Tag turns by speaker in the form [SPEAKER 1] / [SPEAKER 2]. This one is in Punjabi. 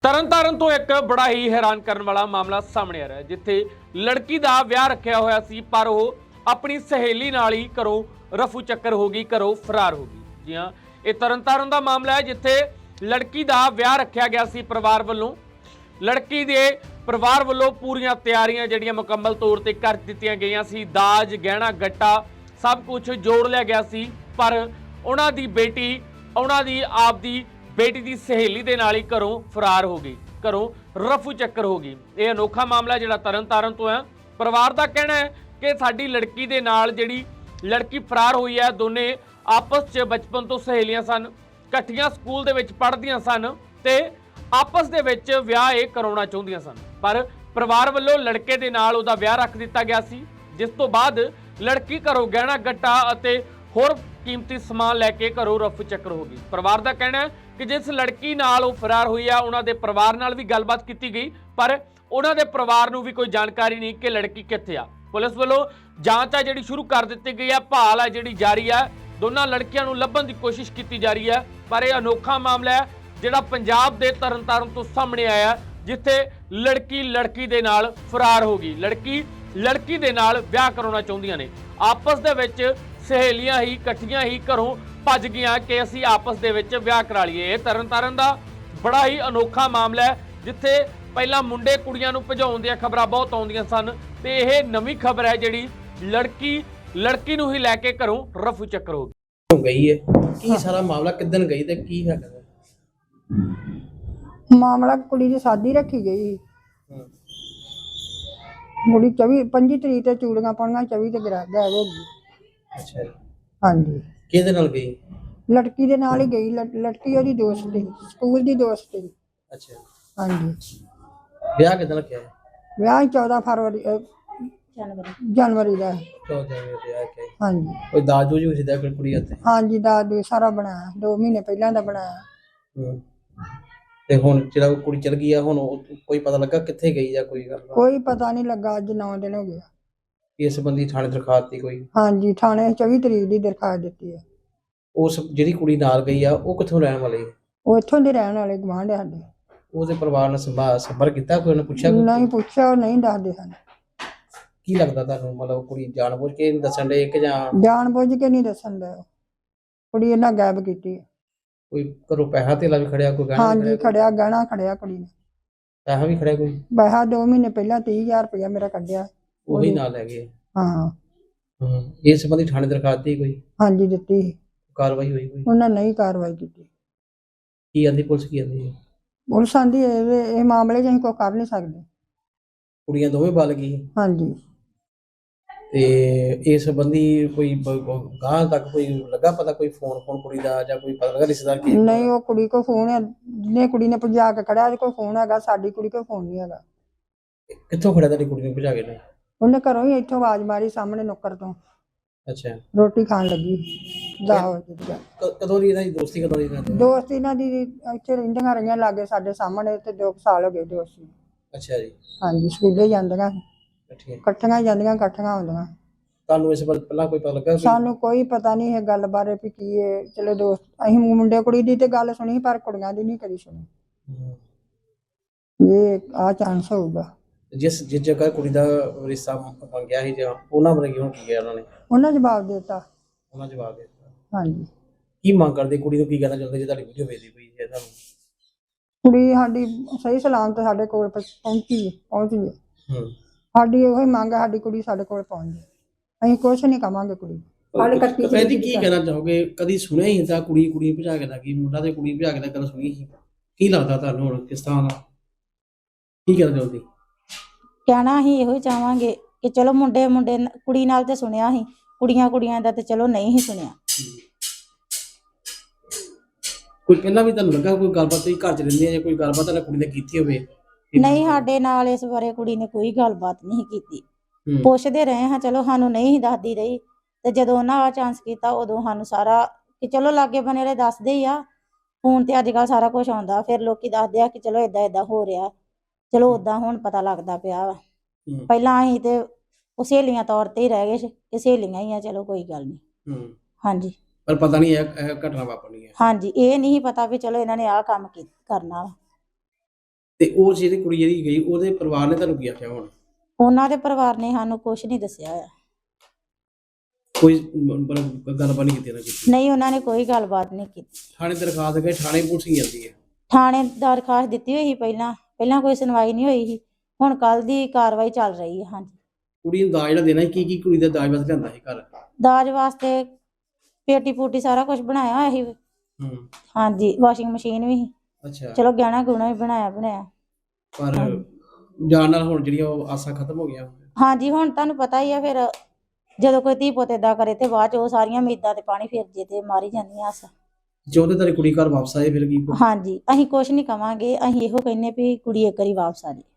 [SPEAKER 1] ਤਰਨਤਾਰਨ ਤੋਂ ਇੱਕ ਬੜਾ ਹੀ ਹੈਰਾਨ ਕਰਨ ਵਾਲਾ ਮਾਮਲਾ ਸਾਹਮਣੇ ਆ ਰਿਹਾ ਹੈ, ਜਿੱਥੇ ਲੜਕੀ ਦਾ ਵਿਆਹ ਰੱਖਿਆ ਹੋਇਆ ਸੀ ਪਰ ਉਹ ਆਪਣੀ ਸਹੇਲੀ ਨਾਲ ਹੀ ਘਰੋਂ ਰਫੂ ਚੱਕਰ ਹੋ ਗਈ, ਘਰੋਂ ਫਰਾਰ ਹੋ ਗਈ। ਜੀ ਹਾਂ, ਇਹ ਤਰਨਤਾਰਨ ਦਾ ਮਾਮਲਾ ਹੈ, ਜਿੱਥੇ ਲੜਕੀ ਦਾ ਵਿਆਹ ਰੱਖਿਆ ਗਿਆ ਸੀ ਪਰਿਵਾਰ ਵੱਲੋਂ। ਲੜਕੀ ਦੇ ਪਰਿਵਾਰ ਵੱਲੋਂ ਪੂਰੀਆਂ ਤਿਆਰੀਆਂ ਜਿਹੜੀਆਂ ਮੁਕੰਮਲ ਤੌਰ ਤੇ ਕਰ ਦਿੱਤੀਆਂ ਗਈਆਂ ਸੀ। ਦਾਜ, ਗਹਿਣਾ ਗੱਟਾ ਸਭ ਕੁਝ ਜੋੜ ਲਿਆ ਗਿਆ ਸੀ, ਪਰ ਉਹਨਾਂ ਦੀ ਬੇਟੀ ਦੀ ਸਹੇਲੀ ਦੇ ਨਾਲ ਹੀ ਘਰੋਂ ਫਰਾਰ ਹੋ ਗਈ, ਘਰੋਂ ਰਫੂ ਚੱਕਰ ਹੋ ਗਈ। ਇਹ ਅਨੋਖਾ ਮਾਮਲਾ ਜਿਹੜਾ ਤਰਨਤਾਰਨ ਤੋਂ ਹੈ। ਪਰਿਵਾਰ ਦਾ ਕਹਿਣਾ ਹੈ ਕਿ ਸਾਡੀ ਲੜਕੀ ਦੇ ਨਾਲ ਜਿਹੜੀ ਲੜਕੀ ਫਰਾਰ ਹੋਈ ਹੈ, ਦੋਨੇ ਆਪਸ 'ਚ ਬਚਪਨ ਤੋਂ ਸਹੇਲੀਆਂ ਸਨ, ਇਕੱਠੀਆਂ ਸਕੂਲ ਦੇ ਵਿੱਚ ਪੜ੍ਹਦੀਆਂ ਸਨ ਤੇ ਆਪਸ ਦੇ ਵਿੱਚ ਵਿਆਹ ਇਹ ਕਰਾਉਣਾ ਚਾਹੁੰਦੀਆਂ ਸਨ, ਪਰ ਪਰਿਵਾਰ ਵੱਲੋਂ ਲੜਕੇ ਦੇ ਨਾਲ ਉਹਦਾ ਵਿਆਹ ਰੱਖ ਦਿੱਤਾ ਗਿਆ ਸੀ, ਜਿਸ ਤੋਂ ਬਾਅਦ ਲੜਕੀ ਘਰੋਂ ਗਹਿਣਾ ਗੱਟਾ ਅਤੇ ਹੋਰ ਕੀਮਤੀ ਸਮਾਨ ਲੈ ਕੇ ਘਰੋਂ ਰਫੂ ਚੱਕਰ ਹੋ ਗਈ। ਪਰਿਵਾਰ ਦਾ ਕਹਿਣਾ ਹੈ ਕਿ ਜਿਸ ਲੜਕੀ ਨਾਲ ਉਹ ਫਰਾਰ ਹੋਈ ਆ, ਉਹਨਾਂ ਦੇ ਪਰਿਵਾਰ ਨਾਲ ਵੀ ਗੱਲਬਾਤ ਕੀਤੀ ਗਈ, ਪਰ ਉਹਨਾਂ ਦੇ ਪਰਿਵਾਰ ਨੂੰ ਵੀ ਕੋਈ ਜਾਣਕਾਰੀ ਨਹੀਂ ਕਿ ਲੜਕੀ ਕਿੱਥੇ ਆ। ਪੁਲਿਸ ਵੱਲੋਂ ਜਾਂਚ ਆ ਜਿਹੜੀ ਸ਼ੁਰੂ ਕਰ ਦਿੱਤੀ ਗਈ ਹੈ, ਭਾਲ ਆ ਜਿਹੜੀ ਜਾਰੀ ਹੈ, ਦੋਨਾਂ ਲੜਕੀਆਂ ਨੂੰ ਲੱਭਣ ਦੀ ਕੋਸ਼ਿਸ਼ ਕੀਤੀ ਜਾ ਰਹੀ ਹੈ। ਪਰ ਇਹ ਅਨੋਖਾ ਮਾਮਲਾ ਹੈ ਜਿਹੜਾ ਪੰਜਾਬ ਦੇ ਤਰਨਤਾਰਨ ਤੋਂ ਸਾਹਮਣੇ ਆਇਆ, ਜਿੱਥੇ ਲੜਕੀ ਦੇ ਨਾਲ ਫਰਾਰ ਹੋ ਗਈ। ਲੜਕੀ ਦੇ ਨਾਲ ਵਿਆਹ ਕਰਾਉਣਾ ਚਾਹੁੰਦੀਆਂ ਨੇ, ਆਪਸ ਦੇ ਵਿੱਚ ਸਹੇਲੀਆਂ ਹੀ ਇਕੱਠੀਆਂ ਹੀ ਘਰੋਂ ਭੱਜ ਗਈਆਂ ਕਿ ਅਸੀਂ ਆਪਸ ਦੇ ਵਿੱਚ ਵਿਆਹ ਕਰਾ ਲਈਏ। ਇਹ ਤਰਨਤਾਰਨ ਦਾ ਬੜਾ ਹੀ ਅਨੋਖਾ ਮਾਮਲਾ ਹੈ, ਜਿੱਥੇ ਪਹਿਲਾਂ ਮੁੰਡੇ ਕੁੜੀਆਂ ਨੂੰ ਭਜਾਉਣ ਦੀਆਂ ਖਬਰਾਂ ਬਹੁਤ ਆਉਂਦੀਆਂ ਸਨ, ਤੇ ਇਹ ਨਵੀਂ ਖਬਰ ਹੈ ਜਿਹੜੀ ਲੜਕੀ ਨੂੰ ਹੀ ਲੈ ਕੇ ਘਰੋਂ ਰਫੂ ਚੱਕਰ ਹੋ
[SPEAKER 2] ਗਈ ਹੈ। ਕੀ ਸਾਰਾ ਮਾਮਲਾ ਕਿੱਦਣ ਗਈ ਤੇ ਕੀ ਹੈਗਾ
[SPEAKER 3] ਮਾਮਲਾ? ਕੁੜੀ ਦੀ ਸ਼ਾਦੀ ਰੱਖੀ ਗਈ, ਕੁੜੀ 25 ਤਰੀਕ ਤੇ ਚੂੜੀਆਂ ਪਾਉਣੀਆਂ, 24 ਤੇ ਗਾਇਬ ਹੋ ਗਈ।
[SPEAKER 2] ਅੱਛਾ,
[SPEAKER 3] ਹਾਂਜੀ।
[SPEAKER 2] ਕਿਹਦੇ ਨਾਲ ਗਈ?
[SPEAKER 3] ਲੜਕੀ ਦੇ ਨਾਲ ਹੀ ਗਈ। ਲੜਕੀ ਉਹਦੀ ਦੋਸਤ ਸੀ, ਸਕੂਲ ਦੀ ਦੋਸਤ ਸੀ।
[SPEAKER 2] ਅੱਛਾ,
[SPEAKER 3] ਹਾਂਜੀ।
[SPEAKER 2] ਵਿਆਹ ਕਿੱਦਣ ਰੱਖਿਆ ਹੈ?
[SPEAKER 3] ਵਿਆਹ 14 ਫਰਵਰੀ ਜਨਵਰੀ ਦਾ।
[SPEAKER 2] 14 ਜਨਵਰੀ ਤੇ ਆ ਕੇ।
[SPEAKER 3] ਹਾਂਜੀ।
[SPEAKER 2] ਕੋਈ ਦਾਜ ਦੂਜ ਵੀ ਸਿੱਧਾ ਕੁੜੀ ਹੱਥੇ?
[SPEAKER 3] ਹਾਂਜੀ, ਦਾਜ ਸਾਰਾ ਬਣਾਇਆ, 2 ਮਹੀਨੇ ਪਹਿਲਾਂ ਦਾ ਬਣਾਇਆ।
[SPEAKER 2] ਤੇ ਹੁਣ ਜਿਹੜਾ ਕੁੜੀ ਚਲ ਗਈ ਆ, ਹੁਣ ਕੋਈ ਪਤਾ ਲੱਗਾ ਕਿੱਥੇ ਗਈ ਜਾਂ ਕੋਈ ਗੱਲ?
[SPEAKER 3] ਕੋਈ ਪਤਾ ਨਹੀਂ ਲੱਗਾ। ਅੱਜ 9 ਦਿਨ ਹੋ ਗਏ।
[SPEAKER 2] ਇਸ ਸੰਬੰਧੀ ਥਾਣੇ ਦਰਖਾਸਤ ਦਿੱਤੀ ਕੋਈ?
[SPEAKER 3] ਹਾਂਜੀ, ਥਾਣੇ 24 ਤਰੀਕ ਦੀ ਦਰਖਾਸਤ ਦਿੱਤੀ ਹੈ।
[SPEAKER 2] ਉਸ ਜਿਹੜੀ ਕੁੜੀ ਨਾਲ ਗਈ ਆ, ਉਹ ਕਿੱਥੋਂ ਰਹਿਣ ਵਾਲੀ?
[SPEAKER 3] ਉਹ ਇੱਥੋਂ ਦੇ ਰਹਿਣ ਵਾਲੇ, ਗੁਆਂਢ ਸਾਡੇ।
[SPEAKER 2] ਉਹਦੇ ਪਰਿਵਾਰ ਨਾਲ ਸੰਪਰਕ ਕੀਤਾ? ਕੋਈ ਉਹਨੇ ਪੁੱਛਿਆ?
[SPEAKER 3] ਨਹੀਂ ਪੁੱਛਿਆ, ਉਹ ਨਹੀਂ ਦੱਸਦੇ ਹਨ।
[SPEAKER 2] ਕੀ ਲੱਗਦਾ ਤੁਹਾਨੂੰ, ਮਤਲਬ ਕੁੜੀ ਜਾਣਬੁੱਝ ਕੇ ਨਹੀਂ ਦੱਸਣ ਦੇ ਕਿ ਜਾਂ
[SPEAKER 3] ਜਾਣ ਬੁੱਝ ਕੇ ਨਹੀਂ ਦੱਸਣ ਦਾ? ਕੁੜੀ ਇਹਨਾਂ ਗਾਇਬ ਕੀਤੀ ਹੈ।
[SPEAKER 2] ਕੋਈ ਘਰੋਂ ਪੈਸਾ ਧੇਲਾ ਵੀ ਖੜਿਆ? ਕੋਈ ਗਹਿਣਾ
[SPEAKER 3] ਹਾਂਜੀ, ਖੜਿਆ, ਗਹਿਣਾ ਖੜਿਆ ਕੁੜੀ ਨੇ।
[SPEAKER 2] ਪੈਸਾ ਵੀ ਖੜਿਆ ਕੋਈ?
[SPEAKER 3] ਪੈਸਾ 2 ਮਹੀਨੇ ਪਹਿਲਾਂ 30,000 ਰੁਪਇਆ ਮੇਰਾ ਕੱਢਿਆ।
[SPEAKER 2] ਉਹੀ ਨਾਲ ਲੈ ਗਏ?
[SPEAKER 3] ਹਾਂ।
[SPEAKER 2] ਇਸ ਸੰਬੰਧੀ ਥਾਣੇ ਦਰਖਾਸਤ ਦਿੱਤੀ ਕੋਈ?
[SPEAKER 3] ਹਾਂਜੀ, ਦਿੱਤੀ।
[SPEAKER 2] ਕਾਰਵਾਈ ਹੋਈ ਕੋਈ?
[SPEAKER 3] ਉਹਨਾਂ ਨਹੀਂ ਕਾਰਵਾਈ ਕੀਤੀ।
[SPEAKER 2] ਕੀ ਆਂਦੀ ਪੁਲਿਸ? ਕੀ ਆਂਦੀ?
[SPEAKER 3] ਪੁਲਿਸ ਆਂਦੀ ਇਹ ਮਾਮਲੇ 'ਚ ਅਸੀਂ ਕੋਈ ਕਰ ਨਹੀਂ ਸਕਦੇ।
[SPEAKER 2] ਕੁੜੀਆਂ ਦੋਵੇਂ ਬਲ ਗਈ?
[SPEAKER 3] ਹਾਂਜੀ।
[SPEAKER 2] ਤੇ ਇਸ ਸੰਬੰਧੀ ਕੋਈ ਗਾਂ ਤੱਕ ਕੋਈ ਲੱਗਾ ਪਤਾ? ਕੋਈ ਫੋਨ ਕੁੜੀ ਦਾ ਜਾਂ ਕੋਈ ਪਤਾ ਲੱਗਾ ਰਿਸ਼ਤੇਦਾਰ ਕੀ?
[SPEAKER 3] ਨਹੀਂ, ਉਹ ਕੁੜੀ ਕੋਲ ਫੋਨ ਹੈ, ਜਿਹਨੇ ਕੁੜੀ ਨੇ ਭਜਾ ਕੇ ਖੜਿਆ ਉਹਦੇ ਕੋਲ ਫੋਨ ਹੈਗਾ, ਸਾਡੀ ਕੁੜੀ ਕੋਲ ਫੋਨ ਨਹੀਂ ਹੈਗਾ।
[SPEAKER 2] ਕਿੱਥੋਂ ਖੜਿਆ ਤੁਹਾਡੀ ਕੁੜੀ ਨੂੰ ਭਜਾ ਕੇ?
[SPEAKER 3] ਉਹਨੇ ਘਰੋਂ ਹੀ ਇੱਥੋਂ ਆਵਾਜ਼ ਮਾਰੀ, ਸਾਹਮਣੇ ਨੁੱਕਰ ਤੋਂ।
[SPEAKER 2] ਅੱਛਾ।
[SPEAKER 3] ਰੋਟੀ ਖਾਣ ਲੱਗੀ 10 ਵਜੇ।
[SPEAKER 2] ਕਦੋਂ ਦੀ ਇਹਨਾਂ ਦੀ ਦੋਸਤੀ? ਕਦੋਂ ਦੀ ਇਹਨਾਂ ਦੀ
[SPEAKER 3] ਦੋਸਤ? ਇਹਨਾਂ ਦੀ ਇੱਥੇ ਰਹਿੰਦੀਆਂ ਰਹੀਆਂ ਲਾਗੇ ਸਾਡੇ ਸਾਹਮਣੇ, ਤੇ 2 ਸਾਲ ਹੋ ਗਏ ਦੋਸਤੀ।
[SPEAKER 2] ਅੱਛਾ ਜੀ।
[SPEAKER 3] ਹਾਂਜੀ, ਸਕੂਲੇ ਜਾਂਦੀਆਂ,
[SPEAKER 2] ਠੀਕ।
[SPEAKER 3] ਇਕੱਠੀਆਂ ਜਾਂਦੀਆਂ, ਇਕੱਠੀਆਂ ਆਉਂਦੀਆਂ।
[SPEAKER 2] ਤੁਹਾਨੂੰ ਇਸ ਬਾਰੇ ਪਹਿਲਾਂ ਕੋਈ ਪਤਾ ਲੱਗਾ?
[SPEAKER 3] ਸਾਨੂੰ ਕੋਈ ਪਤਾ ਨਹੀਂ ਇਹ ਗੱਲ ਬਾਰੇ ਵੀ ਕੀ ਹੈ। ਚਲੋ ਦੋਸਤ, ਅਸੀਂ ਮੁੰਡੇ ਕੁੜੀ ਦੀ ਤੇ ਗੱਲ ਸੁਣੀ, ਪਰ ਕੁੜੀਆਂ ਦੀ ਨਹੀਂ ਕਦੀ ਸੁਣੀ। ਇਹ ਆ ਚਾਂਸ ਹੋਊਗਾ।
[SPEAKER 2] ਜਿਸ ਜਗ੍ਹਾ ਕੁੜੀ ਦਾ ਰਿਸ਼ਤਾ ਮੰਗਿਆ ਸੀ, ਜਾਂ ਉਹਨਾਂ ਬਾਰੇ ਹੁਣ ਕੀ ਕਿਹਾ ਉਹਨਾਂ ਨੇ?
[SPEAKER 3] ਉਹਨਾਂ ਜਵਾਬ ਦਿੱਤਾ।
[SPEAKER 2] ਉਹਨਾਂ ਜਵਾਬ ਦੇ ਦਿੱਤਾ?
[SPEAKER 3] ਹਾਂਜੀ।
[SPEAKER 2] ਕੀ ਮੰਗ ਕਰਦੇ? ਕੁੜੀ ਨੂੰ ਕੀ ਕਹਿਣਾ ਚਾਹੁੰਦੇ ਜੇ ਤੁਹਾਡੀ ਵੀਡੀਓ ਵੇਖਦੀ ਪਈ ਹੈ ਤੁਹਾਨੂੰ?
[SPEAKER 3] ਕੁੜੀ ਸਾਡੀ ਸਹੀ ਸਲਾਮਤ ਸਾਡੇ ਕੋਲ ਪਹੁੰਚੀ ਹੈ। ਸਾਡੀ ਉਹੀ ਮੰਗ ਹੈ, ਸਾਡੀ ਕੁੜੀ ਸਾਡੇ ਕੋਲ ਪਹੁੰਚ ਜਾਏ। ਅਸੀਂ ਕੁਛ ਨਹੀਂ ਕਵਾਂਗੇ। ਕੁੜੀ
[SPEAKER 2] ਕਹਿੰਦੀ ਕੀ ਕਹਿਣਾ ਚਾਹੋਗੇ? ਕਦੀ ਸੁਣਿਆ ਹੀ ਤਾਂ ਕੁੜੀ ਭਜਾ ਕੇ ਲੱਗੀ, ਮੁੰਡਾ ਤੇ ਕੁੜੀ ਭਜਾ ਕੇ ਦਾ ਗੱਲ ਸੁਣੀ ਸੀ? ਕੀ ਲੱਗਦਾ ਤੁਹਾਨੂੰ ਹੁਣ ਕਿਸ ਤਰ੍ਹਾਂ ਦਾ? ਕੀ ਕਹਿਣਾ ਚਾਹੁੰਦੀ?
[SPEAKER 4] ਕਹਿਣਾ ਅਸੀਂ ਇਹੋ ਹੀ ਚਾਹਾਂਗੇ ਕਿ ਚਲੋ ਮੁੰਡੇ ਕੁੜੀ ਨਾਲ ਤੇ ਸੁਣਿਆ ਸੀ, ਕੁੜੀਆਂ ਦਾ ਤੇ ਚਲੋ ਨਹੀਂ ਹੀ ਸੁਣਿਆ।
[SPEAKER 2] ਕੋਈ ਪਹਿਲਾਂ ਵੀ ਤੁਹਾਨੂੰ ਲੱਗਾ ਕੋਈ ਗੱਲਬਾਤ? ਤੁਸੀਂ ਘਰ ਚ ਰਹਿੰਦੇ ਆ, ਜਾਂ ਕੋਈ ਗੱਲਬਾਤ ਤੁਹਾਡੀ ਕੁੜੀ ਨੇ ਕੀਤੀ ਹੋਵੇ?
[SPEAKER 4] ਨਹੀਂ, ਸਾਡੇ ਨਾਲ ਇਸ ਬਾਰੇ ਕੁੜੀ ਨੇ ਕੋਈ ਗੱਲਬਾਤ ਨਹੀਂ ਕੀਤੀ। ਪੁੱਛਦੇ ਰਹੇ ਹਾਂ, ਚਲੋ ਸਾਨੂੰ ਨਹੀਂ ਦੱਸਦੀ ਰਹੀ, ਤੇ ਜਦੋਂ ਉਹਨਾਂ ਆ ਚਾਂਸ ਕੀਤਾ ਉਦੋਂ ਸਾਨੂੰ ਸਾਰਾ ਕਿ ਚਲੋ ਲਾਗੇ ਬਣੇ ਵਾਲੇ ਦੱਸਦੇ ਹੀ ਆ। ਫੋਨ ਤੇ ਅੱਜ ਕੱਲ੍ਹ ਸਾਰਾ ਕੁਝ ਆਉਂਦਾ, ਫਿਰ ਲੋਕੀ ਦੱਸਦੇ ਆ ਕਿ ਚਲੋ ਏਦਾਂ ਹੋ ਰਿਹਾ। ਚਲੋ ਓਦਾਂ ਹੁਣ ਪਤਾ ਲੱਗਦਾ ਪਿਆ ਵਾ। ਪਹਿਲਾਂ ਅਸੀਂ ਤੇ ਉਹ ਸਹੇਲੀਆਂ ਤੌਰ ਤੇ ਹੀ ਰਹਿ ਗਏ ਕਿ ਸਹੇਲੀਆਂ ਹੀ ਆ, ਚਲੋ ਕੋਈ ਗੱਲ ਨਹੀਂ। ਹਾਂਜੀ,
[SPEAKER 2] ਪਰ ਪਤਾ ਨਹੀਂ ਇਹ ਘਟਨਾ ਵਾਪਰਨੀ ਹੈ।
[SPEAKER 4] ਹਾਂਜੀ, ਇਹ ਨਹੀਂ ਪਤਾ ਵੀ ਚਲੋ ਇਹਨਾਂ ਨੇ ਆਹ ਕੰਮ ਕਰਨਾ ਵਾ।
[SPEAKER 2] ਤੇ ਉਹ ਜਿਹੜੀ ਕੁੜੀ ਜਿਹੜੀ ਗਈ ਉਹਦੇ ਪਰਿਵਾਰ ਨੇ ਤੁਹਾਨੂੰ ਕੀ ਆਖਿਆ ਹੁਣ?
[SPEAKER 4] ਉਹਨਾਂ ਦੇ ਪਰਿਵਾਰ ਨੇ ਸਾਨੂੰ ਕੁਝ ਨਹੀਂ ਦੱਸਿਆ ਹੋਇਆ।
[SPEAKER 2] ਕੋਈ ਮਤਲਬ ਗੱਲਬਾਤ ਨਹੀਂ ਕੀਤੀ ਨਾ ਕੀਤੀ?
[SPEAKER 4] ਨਹੀਂ, ਉਹਨਾਂ ਨੇ ਕੋਈ ਗੱਲਬਾਤ ਨਹੀਂ ਕੀਤੀ।
[SPEAKER 2] ਥਾਣੇ ਦਰਖਾਸਤ ਗਏ, ਥਾਣੇ ਪੁਲਿਸ ਹੀ ਜਾਂਦੀ ਹੈ?
[SPEAKER 4] ਥਾਣੇ ਦਰਖਾਸਤ ਦਿੱਤੀ ਹੋਈ ਸੀ ਪਹਿਲਾਂ ਕੋਈ ਸੁਣਵਾਈ ਨਹੀਂ ਹੋਈ ਸੀ। ਹੁਣ ਕੱਲ ਦੀ ਕਾਰਵਾਈ ਚੱਲ ਰਹੀ ਹੈ। ਹਾਂਜੀ।
[SPEAKER 2] ਕੁੜੀ ਨੂੰ ਦਾਜ ਜਿਹੜਾ ਦੇਣਾ ਸੀ, ਕੀ ਕੁੜੀ ਦਾ ਦਾਜ ਵਾਸਤੇ ਲਿਆਂਦਾ ਸੀ ਘਰ?
[SPEAKER 4] ਦਾਜ ਵਾਸਤੇ ਪੇਟੀ ਪੂਟੀ ਸਾਰਾ ਕੁਝ ਬਣਾਇਆ ਹੋਇਆ ਸੀ। ਹਾਂਜੀ, ਵਾਸ਼ਿੰਗ ਮਸ਼ੀਨ ਵੀ ਸੀ।
[SPEAKER 2] ਅੱਛਾ।
[SPEAKER 4] ਚਲੋ ਗਹਿਣਾ ਗੁਣਾ ਵੀ ਬਣਾਇਆ।
[SPEAKER 2] ਪਰ ਜਾਣ ਨਾਲ ਹੁਣ ਜਿਹੜੀਆਂ ਉਹ ਆਸਾਂ ਖਤਮ ਹੋ ਗਈਆਂ?
[SPEAKER 4] ਹਾਂਜੀ, ਹੁਣ ਤੁਹਾਨੂੰ ਪਤਾ ਹੀ ਆ, ਫਿਰ ਜਦੋਂ ਕੋਈ ਧੀ ਪੁੱਤ ਏਦਾਂ ਕਰੇ ਤੇ ਬਾਅਦ ਚ ਉਹ ਸਾਰੀਆਂ ਉਮੀਦਾਂ ਤੇ ਪਾਣੀ ਫਿਰ ਜੇ ਤੇ ਮਾਰੀ ਜਾਂਦੀਆਂ ਆਸਾਂ।
[SPEAKER 2] ਚਾਹੁੰਦੇ ਤੇਰੀ ਕੁੜੀ ਘਰ ਵਾਪਸ ਆਏ ਫਿਰ ਕੀ?
[SPEAKER 4] ਹਾਂਜੀ, ਅਸੀਂ ਕੁਝ ਨਹੀਂ ਕਵਾਂਗੇ, ਅਸੀਂ ਇਹੋ ਕਹਿੰਨੇ ਵੀ ਕੁੜੀ ਇੱਕ ਵਾਰੀ ਵਾਪਸ ਆ ਜੇ।